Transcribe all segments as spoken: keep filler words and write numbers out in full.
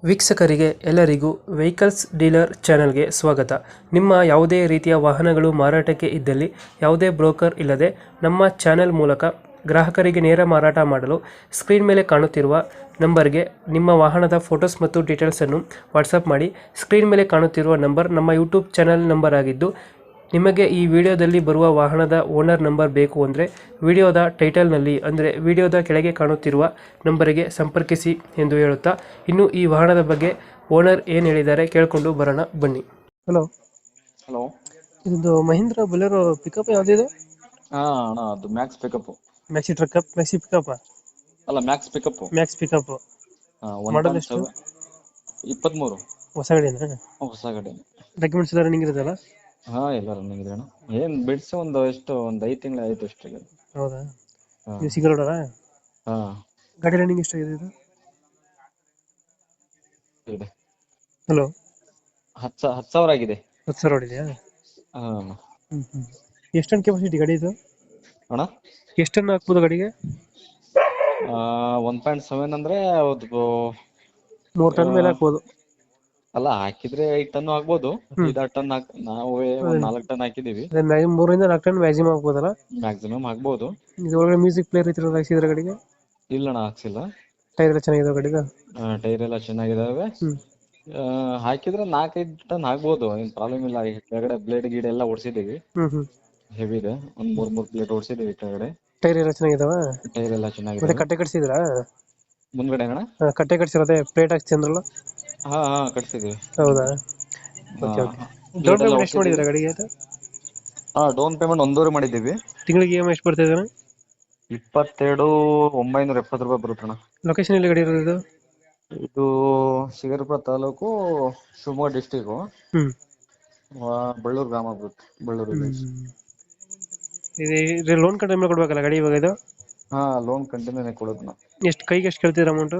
ವೀಕ್ಷಕರಿಗೆ ಎಲ್ಲರಿಗೂ vehicles dealer ಚಾನೆಲ್ಗೆ ಸ್ವಾಗತ. ನಿಮ್ಮ ಯಾವುದೇ ರೀತಿಯ ವಾಹನಗಳು ಮಾರಾಟಕ್ಕೆ ಇದ್ದಲ್ಲಿ ಯಾವುದೇ ಬ್ರೋಕರ್ ಇಲ್ಲದೆ ನಮ್ಮ ಚಾನೆಲ್ ಮೂಲಕ ಗ್ರಾಹಕರಿಗೆ ನೇರ ಮಾರಾಟ ಮಾಡಲು ಸ್ಕ್ರೀನ್ ಮೇಲೆ ಕಾಣುತ್ತಿರುವ ನಂಬರ್ಗೆ ನಿಮ್ಮ ವಾಹನದ ಫೋಟೋಸ್ ಮತ್ತು ಡೀಟೇಲ್ಸನ್ನು ವಾಟ್ಸಪ್ ಮಾಡಿ. ಸ್ಕ್ರೀನ್ ಮೇಲೆ ಕಾಣುತ್ತಿರುವ ನಂಬರ್ ನಮ್ಮ ಯೂಟ್ಯೂಬ್ ಚಾನೆಲ್ ನಂಬರ್ ಆಗಿದ್ದು, ನಿಮಗೆ ಈ ವಿಡಿಯೋದಲ್ಲಿ ಬರುವ ವಾಹನದ ಓನರ್ ನಂಬರ್ ಬೇಕು ಅಂದರೆ ವಿಡಿಯೋದ ಟೈಟಲ್ನಲ್ಲಿ ಅಂದರೆ ವಿಡಿಯೋದ ಕೆಳಗೆ ಕಾಣುತ್ತಿರುವ ನಂಬರಿಗೆ ಸಂಪರ್ಕಿಸಿ ಎಂದು ಹೇಳುತ್ತಾ, ಇನ್ನು ಈ ವಾಹನದ ಬಗ್ಗೆ ಓನರ್ ಏನು ಹೇಳಿದ್ದಾರೆ ಕೇಳಿಕೊಂಡು ಬರೋಣ ಬನ್ನಿ. Hello hello. ಇದು ಮಹೀಂದ್ರ ಬೊಲೆರೋ ಪಿಕಪ್ ಯಾವುದಿದೆ? ಹಾ ಅಣ್ಣ, ಅದು Max pickup. Maxi truck Maxi pickup ಅಲ್ಲ, Max pickup. Max pickup model ಎಷ್ಟು? ಇಪ್ಪತ್ಮೂರು. ಹೊಸ ಗಾಡಿನ? ಹೊಸ ಗಾಡಿ. ಡಾಕ್ಯುಮೆಂಟ್ಸ್ ಎಲ್ಲ ರನ್ನಿಂಗ್ ಇರೋದಲ್ಲ? ಹಾ, ಎಲ್ಲ ರನ್ನಿಂಗ್ ಇದೆ ಅಣ್ಣ. ಏನ್ ಬಿಡ್ಸಿ ಒಂದು ಎಷ್ಟು ಒಂದ್ ಐದ್ ತಿಂಗಳು ಆಯ್ತು ಅಷ್ಟೇ. ಹೌದಾ? ಹಾ. ನೀವು ಸಿಂಗಲ್ ಓನರಾ? ಹಾ ಗಾಡಿ ರನ್ನಿಂಗ್ ಎಷ್ಟಾಗಿದೆ ಇದು? ಇದೆ. ಹಲೋ, ಹತ್ ಸಾ- ಹತ್ ಸಾವಿರ ಆಗಿದೆ. ಹತ್ತು ಸಾವಿರ ಹೊಡಿದೆಯಾ? ಹಾ ಅಣ್ಣ. ಹ್ಮ್ ಹ್ಮ್ ಎಷ್ಟು ಟನ್ ಕೆಪಾಸಿಟಿ ಗಾಡಿ ಇದು? ಅಣ್ಣ, ಎಷ್ಟು ಟನ್ ಹಾಕ್ಬೋದು ಗಾಡಿಗೆ? ಒನ್ ಪಾಯಿಂಟ್ ಸೆವೆನ್ ಅಂದ್ರೆ ಅದು ಮೂರು ಟನ್ ಮೇಲೆ ಆ, ಹಾಕ್ಬೋದು. ಅಲ್ಲ, ಹಾಕಿದ್ರೆ ಐದ್ ಟನ್ ಆಗ್ಬೋದು. ಹ್ಮ್. ಐದಾರು ಟನ್ ಹಾಕ್ ನಾವು ಒಂದ್ ನಾಲ್ಕು ಟನ್ ಹಾಕಿದೀವಿ. ಅದೇ ಮ್ಯಾಗಿ ಮೂರರಿಂದ ನಾಲ್ಕು ಟನ್ ಮ್ಯಾಕ್ಸಿಮಮ್ ಹಾಕ್ಬೋದಲ್ಲ? ಮ್ಯಾಕ್ಸಿಮಮ್ ಆಗ್ಬೋದು. ಇದು ಒಳಗಡೆ ಮ್ಯೂಸಿಕ್ ಪ್ಲೇಯರ್ ಈ ಥರ ಹಾಕ್ಸಿದ್ರೆ ಗಾಡಿಗೆ? ಇಲ್ಲಣ್ಣ, ಹಾಕ್ಸಿಲ್ಲ. ಟೈರ್ ಎಲ್ಲ ಚೆನ್ನಾಗಿದೆ ಗಾಡಿಗೆ? ಟೈರ್ ಎಲ್ಲ ಚೆನ್ನಾಗಿದಾವೆ. ಹ್ಮ್. ಆ, ಹಾಕಿದ್ರೆ ನಾಲ್ಕೈದು ಟನ್ ಆಗ್ಬೋದು, ಏನ್ ಪ್ರಾಬ್ಲಮ್ ಇಲ್ಲ. ಈ ಕೆಳಗಡೆ ಬ್ಲೇಡ್ ಗೀಡ್ ಎಲ್ಲ ಓಡಿಸಿದೀವಿ, ಹ್ಮ್ ಹ್ಮ್ ಹೆವಿ ಇದೆ. ಒಂದ್ ಮೂರ್ ಮೂರ್ ಪ್ಲೇಟ್ ಓಡಿಸಿದೀವಿ ಕೆಳಗಡೆ. ಟೈರ್ ಎಲ್ಲ ಚೆನ್ನಾಗಿದಾವ? ಟೈರ್ ಎಲ್ಲ ಮತ್ತೆ ಚೆನ್ನಾಗಿದೆ. ಕಟ್ಟೆ ಕಟ್ಸಿದ್ರಾ? ಮುಂದ್ಗಡೆ ಅಣ್ಣ? ಹಾ, ಕಟ್ಟೆ ಕಟ್ಸಿರೋದೆ ಪ್ಲೇಟ್ ಹಾಕ್ಸಿ ಅಂದ್ರಲ್ಲ? ಹಾ ಹಾ ಕಟ್ಸಿದೀವಿ. ಹೌದಾ? ಹಾ, ಓಕೆ ಓಕೆ. ಡೌನ್ ಪ್ಲೇಟ್ ಎಲ್ಲ ಪೇಮೆಂಟ್ ಎಷ್ಟು ಹೊಡ್ಸಿದೀವಿ. ಮಾಡಿದ್ದೀರಾ ಗಾಡಿಗೆ ಇದು? ಹಾ, ಡೌನ್ ಪೇಮೆಂಟ್ ಒಂದೂವರೆ ಮಾಡಿದ್ದೀವಿ. ತಿಂಗಳಿಗೆ ಇ ಎಮ್ ಐ ಎಷ್ಟು ಬರ್ತಾ ಇದೆ? ಇಪ್ಪತ್ತೆರಡು ಒಂಬೈನೂರ ಎಪ್ಪತ್ತು ರೂಪಾಯಿ ಬರುತ್ತಣ್ಣ. ಲೊಕೇಶನ್ ಎಲ್ಲಿ ಗಾಡಿ ಇರೋದು ಇದು? ಇದು ಶಿಕಾರಿಪುರ ತಾಲೂಕು, ಶಿವಮೊಗ್ಗ ಡಿಸ್ಟಿಕ್, ಹ್ಮ್ ಬಳ್ಳೂರು ಗ್ರಾಮ ಬರುತ್ತೆ. ಬಳ್ಳೂರು ವಿಲೇಜ್. ಹ್ಮ್ ಇದು ಲೋನ್ ಕಂತು ಮೇಲೆ ಕೊಡ್ಬೇಕಲ್ಲ ಗಾಡಿ ಇವಾಗ ಇದು? ಹಾ, ಲೋನ್ ಕಂಟಿನ್ಯೂನೇ ಕೊಡೋದನ್ನ. ಎಷ್ಟು ಕೈಗೆ ಎಷ್ಟು ಕೇಳ್ತಿದ್ರ ಅಮೌಂಟ್?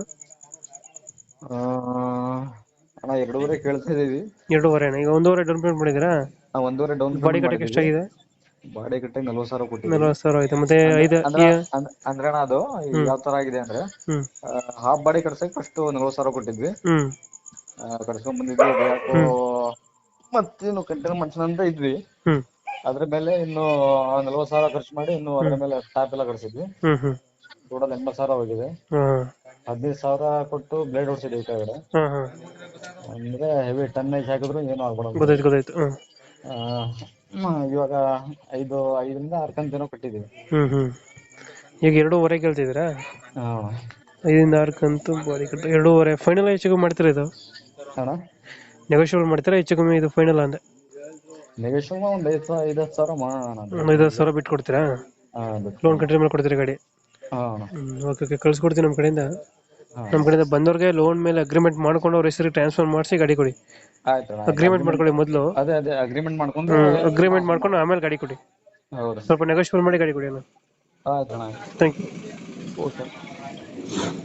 ಆ, ಅಣ್ಣ, ಎರಡೂವರೆ ಕೇಳ್ತಾ ಇದೀವಿ. ಎರಡೂವರೆ? ಈಗ ಒಂದೂವರೆ ಡೌನ್ ಪೇಮೆಂಟ್ ಮಾಡಿದ್ದೀರಾ? ಆ, ಒಂದೂವರೆ ಡೌನ್ ಬಾಡಿ ಪೇಮೆಂಟ್ ಕಟ್ಟಕ್ಕೆ ಮಾಡಿದೀವಿ. ಎಷ್ಟಾಗಿದೆ? ಬಾಡಿ ಕಟ್ಟೆ ನಲ್ವತ್ತು ಸಾವಿರ ಕೊಟ್ಟಿದೀವಿ. ನಲ್ವತ್ತು ಸಾವಿರ ಆಯ್ತು. ಮತ್ತೆ ಅಂದ್ರ ಐದು ಅಂದ್ರ ಈ- ಅಂದ್ರ- ಅಂದ್ರೆ ಅಣ್ಣ, ಅದು ಹ್ಮ್ ಯಾವ ತರ ಆಗಿದೆ ಅಂದ್ರೆ, ಹ್ಮ್ ಹಾಫ್ ಬಾಡಿ ಕಟ್ಸಕ್ ಫಸ್ಟ್ ನಲ್ವತ್ತು ಸಾವಿರ ಕೊಟ್ಟಿದ್ವಿ. ಹ್ಮ್ ಆ, ಕಟ್ಸ್ಕೊಂಡ್ ಬಂದಿದ್ವಿ. ಅದು ಯಾಕೋ ಹ್ಮ್ ಮತ್ತೇನು ಕಂಟಿನ್ಯೂ ಮಾಡ್ಸೋಣ ಅಂತ ಇದ್ವಿ. ಹ್ಮ್ ಅದ್ರ ಮೇಲೆ ಇನ್ನು ನಲ್ವತ್ತು ಸಾವಿರ ಖರ್ಚು ಮಾಡಿ ಇನ್ನು ಅದ್ರ ಹ್ಮ್ ಮೇಲೆ ಟಾಪ್ ಎಲ್ಲ ಕಟ್ಸಿದ್ವಿ. ಹ್ಮ್ ಹ್ಮ್ ಟೋಟಲ್ ಎಂಬತ್ತು ಸಾವಿರ ಹೋಗಿದೆ. ಹ್ಮ್ ಹದಿನೈದು ಸಾವಿರ ಕೊಟ್ಟು ಬ್ಲೇಡ್ ಹೊಡ್ಸಿದ್ವಿ ಈ ಕೆಳಗಡೆ. ಹ್ಮ್ ಹ್ಮ್ ಅಂದ್ರೆ ಹೆವಿ ಟನ್ನೇಜ್ ಹಾಕಿದ್ರು ಏನು ಆಗ್ಬಿಡೋದು. ಗೊತ್ತಾಯ್ತು ಗೊತ್ತಾಯ್ತು. ಹ್ಮ್ ಆ, ಹ್ಮ್, ಇವಾಗ ಐದು ಐದರಿಂದ ಆರು ಕಂತು ಏನೋ ಕಟ್ಟಿದೀವಿ. ಹ್ಮ್ ಹ್ಮ್ ಈಗ ಎರಡೂವರೆ ಕೇಳ್ತಿದ್ದೀರಾ? ಹಾ ಐದಿಂದ ಆರು ಕಂತು ಬಾಡಿ ಕಟ್ಟು ಎರಡೂವರೆ. ಫೈನಲ್ ಹೆಚ್ಚು ಕಮ್ಮಿ ಮಾಡ್ತೀರಾ ಇದು? ಅಣ್ಣ, ನೆಗೋಷಿಯಬಲ್ ಮಾಡ್ತೀರಾ ಹೆಚ್ಚು ಕಮ್ಮಿ ಇದು ಫೈನಲ್ ಅಂದೆ? ನೆಗೋಷಿಯೇಟ್ ಒಂದ್ ಐದು ಸಾವಿರ ಐದು ಹತ್ತು ಸಾವಿರ ಮಾಡೋಣ ಅಂತ. ಒಂದು ಐದು ಹತ್ತು ಸಾವಿರ ಬಿಟ್ಟು ಕೊಡ್ತೀರಾ? ಹಾ, ಲೋನ್ ಕಂಟ್ರಿ ಮೇಲೆ ಕೊಡ್ತೀರಾ ಗಾಡಿ? ಹಾ ಅಣ್ಣ. ಹ್ಮ್ ಓಕೆ ಓಕೆ, ಕಳ್ಸ್ಕೊಡ್ತೀನಿ ನಮ್ಮ ಕಡೆಯಿಂದ. ಹಾ, ನಮ್ಮ ಕಡೆಯಿಂದ ಬಂದವ್ರಿಗೆ ಲೋನ್ ಮೇಲೆ ಅಗ್ರಿಮೆಂಟ್ ಮಾಡ್ಕೊಂಡು ಅವ್ರ ಹೆಸರಿಗೆ ಟ್ರಾನ್ಸ್ಫರ್ ಮಾಡಿಸಿ ಗಾಡಿ ಕೊಡಿ. ಆಯ್ತು ಅಣ್ಣ, ಆಯ್ತು. ಅಗ್ರಿಮೆಂಟ್ Agreement- ಮಾಡ್ಕೊಳ್ಳಿ ಮೊದಲು. ಅದೇ ಅದೇ ಅಗ್ರಿಮೆಂಟ್ ಮಾಡ್ಕೊಂಡು. ಹ್ಮ್ ಅಗ್ರಿಮೆಂಟ್ ಮಾಡ್ಕೊಂಡು ಆಮೇಲೆ ಗಾಡಿ ಕೊಡಿ. ಹೌದು. ಸ್ವಲ್ಪ ನೆಗೋಷಿಯಬಲ್ ಮಾಡಿ ಗಾಡಿ ಕೊಡಿ ಅಣ್ಣ. ಆಯ್ತು ಅಣ್ಣ. Thank you. ಓಕೆ.